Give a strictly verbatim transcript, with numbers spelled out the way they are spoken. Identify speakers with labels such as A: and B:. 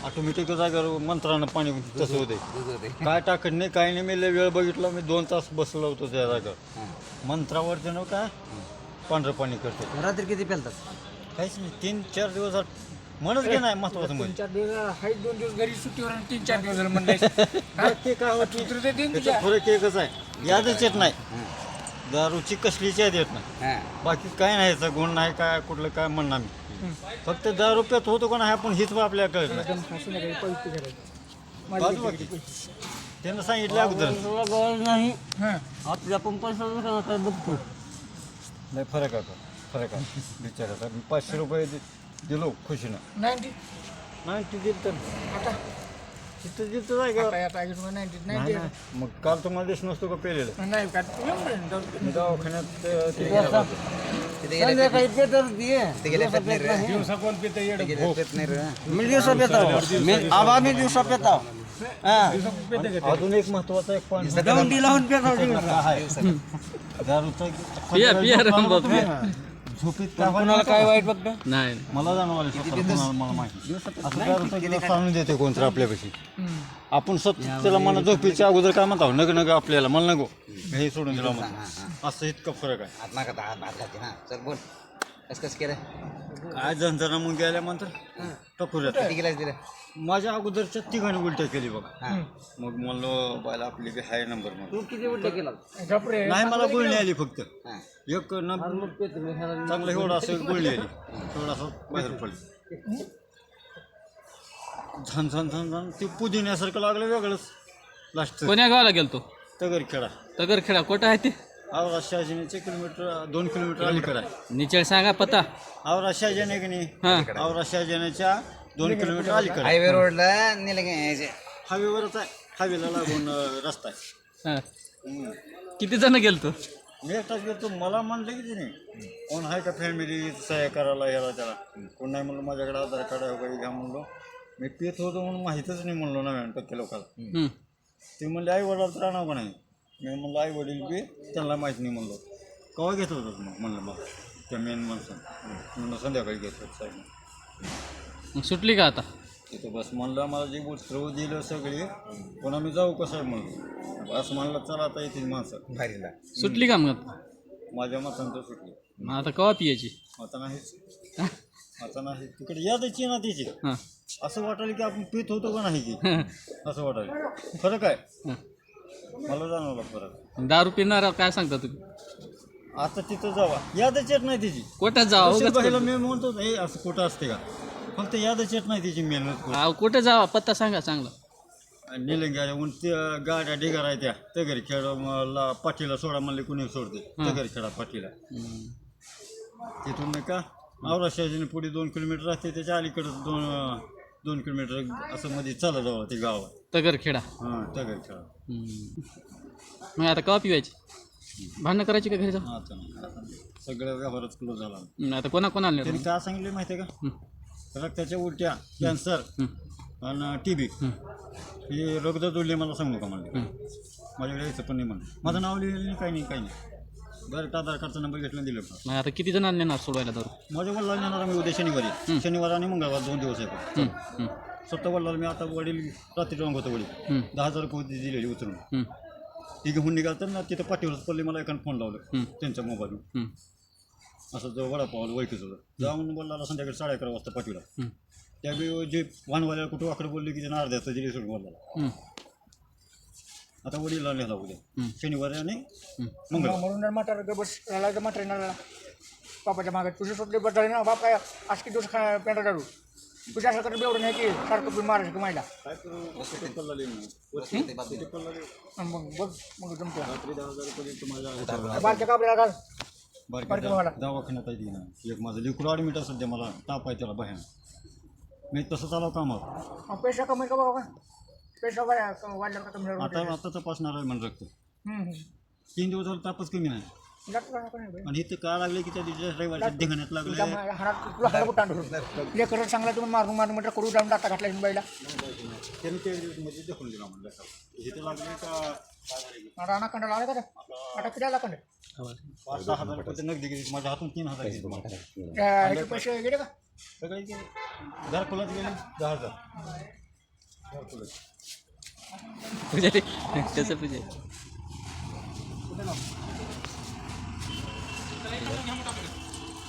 A: Automatic जागेवर मंत्रानं पाणी तसं होते काय टाकत नाही काही नाही मी लय वेळ बघितला मी दोन तास बसलो होतो त्या जागेवर मंत्रावर त्यानं काय पांढरं पाणी करते
B: रात्री किती पेलतात
A: काहीच नाही तीन चार दिवस म्हणच घे नाही महत्वाचं
C: तीन
A: म्हणजे
C: चार दिवस हाय दोन दिवस घरी सुट्टीवर आणि तीन चार दिवस झालं म्हणलं
A: ते काय होत
C: चित्र ते तीन
A: त्याचा फरक एकच आहे यादच येत नाही दारूची कसलीच याद येत नाही बाकी काय नाही याचा गुण नाही काय कुठलं काय म्हणणार मी फक्त दहा रुपयात होतो का नाही आपण हीच आपल्याला कळत नाही
C: संध्याकाळी पवित्र करायचं माझी
A: बाजू बाकी त्यानं सांगितलं अगोदर
B: गरज नाही
C: हां
B: आपल्या पंपाचा काय बघतो
A: नाही फरक आहे तो. फरक आहे बिचाराचा मी पाचशे रुपये दि- दिलो खुशीनं
C: नाईन्टी
A: नाही ते दिलं तर
C: आता
A: तिथं दिलं तर जायगा
C: आता आता ऐकून नाईन्टी
A: नाही
C: नाईन्टी
A: नाही. मग काल तुम्हाला दिस नसतो का पेलेलं
C: नाही का एवढं
A: मी दवाखान्यात अं, ते गेला होतो.
B: संध्याकाळी पेटर दिये
C: दिवसा कोण पितं येडं
B: मी दिवसा पेताव मी आबा मी दिवसा पेताव
A: अजून एक महत्वाचा एक पॉईंट
B: दौंडी लावून पेताव
A: दारूचा
D: पिया पिया रामबाब पिया.
A: झोपेत काय
B: कुणाला काय वाईट बघतो
D: नाही
A: मला जाणवलं स्वतःला कोणाला मला माहिती असं दारूचा गिलास आणून देते कोणतं आपल्यापाशी आपण स्वतः त्याला मला झोपेच्या अगोदर काय म्हणतो नग नग आपल्याला मला नको हे सोडून दिला म्हणतो असं इतकं फरक आहे
B: आत्मा का हात भात घालते ना चल बोल कस कस केलं
A: काय झंझणा मग गेल्यानंतर टपुऱ्यात
B: किती गिलास दिलं
A: माझ्या अगोदरच्या तिघांनी उलट्या केली बघा मग म्हणलो बायला आपली बी हाय नंबर मग
B: तू किती उलटे केला
C: झपरे
A: नाही मला गुळणी आली फक्त एक न चांगलं एवढं असं गुळणी आली थोडं असं बाहेर पडली झन झन झन झन ते पुदिन्यासारखं लागलं वेगळंच लास्ट
D: कोण्या गावाला गेलतो
A: तगर खेळा
D: तगरखेडा कुठं आहे ते
A: आवरा शहाजीनेचे किलोमीटर दोन किलोमीटर अलीकडे आहे
D: निचळ सांगा पत्ता
A: आवरा शहाजाने की नाही
D: हां
A: आवरा शहाजानेच्या दोन किलोमीटर अलीकडे
B: हायवे रोडला नेलं की
A: हायवेवरच आहे हायवेला लागून अं, रस्ता आहे
D: हां
A: हम्म.
D: किती जण गेलतो
A: मी एकटाच गेलो मला म्हणलं की नाही कोण आहे का फॅमिली सहाय्य करायला याला त्याला कोण नाही म्हणलं माझ्याकडे आधार कार्ड वगैरे घ्या म्हणलो मी पेत होतो म्हणून माहीतच नाही म्हणलो नव्याण्णव टक्के लोकांना
D: हम्म.
A: ते म्हणले आई वडिलाला तर आणावं का नाही मी म्हणलं आई वडील बी त्यांना माहीत नाही म्हणलो केव्हा घेत होतं मग म्हणलं मग त्या मेन माणसानं म्हणलं संध्याकाळी घेत होतं साहेब
D: मग सुटली का आता
A: तिथं बस म्हणलं मला जे वस्त्र दिलं सगळे पण आम्ही जाऊ कसं आहे म्हणलं बस म्हणलं चला आता येतील माणसं
B: भारीला
D: सुटली का मग आता?
A: माझ्या मतांतर सुटली
D: मग आता कवा पियाची
A: आता नाहीच आता नाही तिकडे यादच ना तिची
D: हां
A: असं वाटायला की आपण पित होतो का नाही की असं वाटायला फरक आहे
D: हां.
A: मला जाणवला फरक
D: दारू पिणार काय सांगता तुम्ही
A: आता तिथं जावा यादच येत नाही तिची
D: कुठं जावा
A: तशी
D: उगाच
A: बघायला मी म्हणतो हे असं कुठं असते का फक्त यादच येत नाही तिची मेहनत
D: अहो, कुठं जावा पत्ता सांगा चांगला
A: निलंग्या उन त्या गाड्या ढिगार आहे त्या तगरी खेळ मला पाठीला सोडा म्हणले कुणी सोडते तगरी खेळा पाठीला
D: हम्म.
A: तिथून नाही का आवरा शहाजीने पुढे दोन किलोमीटर राहते त्याच्या अलीकडं दोन दोन किलोमीटर असं मध्ये चालत जावं ते गाव आहे
D: तगरखेडा
A: हां तगरी खेळा
D: हम्म. मग आता कवा पिवायची भांडणं करायची का घरी जाऊ
A: आता नाही आता नाही. सगळं व्यवहारच क्लोज झाला
D: हम्म, आता कोणा कोणाला
A: त्यांनी काय सांगितलं माहिती आहे का रक्ताच्या उलट्या कॅन्सर आणि टी बी हे रोग जोडले मला सांगू का म्हणले माझ्याकडे यायचं पण नाही म्हणलं माझं नाव लिहिलं नाही काही नाही काही नाही डायरेक्ट आधार कार्डचा नंबर घेतला दिलं का
D: मग आता किती जणांना नेणार सोडवायला दारू
A: माझ्या वडिलांना येणार मी उद्या शनिवारी शनिवार आणि मंगळवार दोन दिवस आहे
D: हम्म, हम्म,
A: स्वतः वडिलांना मी आता वडील रात्री रंग होतं वडील
D: हम्म,
A: दहा हजार रुपये होती दिलेली उचलून
D: हम्म,
A: ती घेऊन निघालं ना तिथं पाठीवरच पडले मला एकानं फोन लावलं
D: हम्म.
A: त्यांच्या मोबाईलवर
D: हम्म,
A: असं जो वडापाव ओळखीच होतं जाऊन बोलला संध्याकाळी साडे अकरा वाजता पाठवला
D: हम्म,
A: त्यावेळी जे वाहनवाल्याला कुठं वाकडं बोलले की त्यांना अर्ध्याचं दिली सोडून बोलला
D: हम्म,
A: आता वडीलला नेला उद्या
D: हम्म.
A: शनिवारी आणि
D: हम्म.
A: मंगळवार
C: म्हणून म्हातारा गबस राहिला म्हातारा येणार बापाच्या मागे तुझे सुटले बदल ना बाप काय आज किती दिवस खा पेंटा काढू तुझ्या असं कडे एवढं नाही की सारखं तुम्ही महाराष्ट्र मायला
A: काय करू किती पल्ला लिहिलं किती पल्ला लिहिलं
C: आणि मग बघ मग जमतो
A: रात्री दहा हजार रुपये दिले माझ्या
C: बारच्या कापड्याला घाल
A: बारक्या
C: बारक्या भावाला.
A: दवा- दवाखान्यात आहे ती ना एक माझं लिक्विड ॲडमिट आहे सध्या मला ताप आहे त्याला बाहेर मी तसं चालव कामावर
C: मग पैसा कमी का बाबा पैसा वाढ वाढला का कमी
A: आता आता तपासणार आहे म्हणून रक्त
C: हम्म, हम्म.
A: तीन दिवस झालं तापच कमी नाही
C: जातो का नको नाही बाई.
A: आणि इथं का लागले की त्या दिवशी रविवारच्या धिंगाण्यात
C: तुझ्या
A: लागले
C: मा- हाणात तुला हाणा कुठं आणतो ले करत चांगला तुम्ही मारून मारून म्हटलं करू जाऊन टाका घातला तुम्ही बाईला
A: त्यांनी ते मध्ये दाखवून दिला म्हणलं इथे लागले का
C: राणा कंडाला आला का आता किती आला कंड
A: पाच सहा हजार रुपये नगदी गेली माझ्या हातून तीन हजार गेले
C: ह्याचे पैसे गेले का
A: सगळे गेले घरकुलाच गेले दहा हजार घरकुलाच
D: पूजा रे कसं पूजा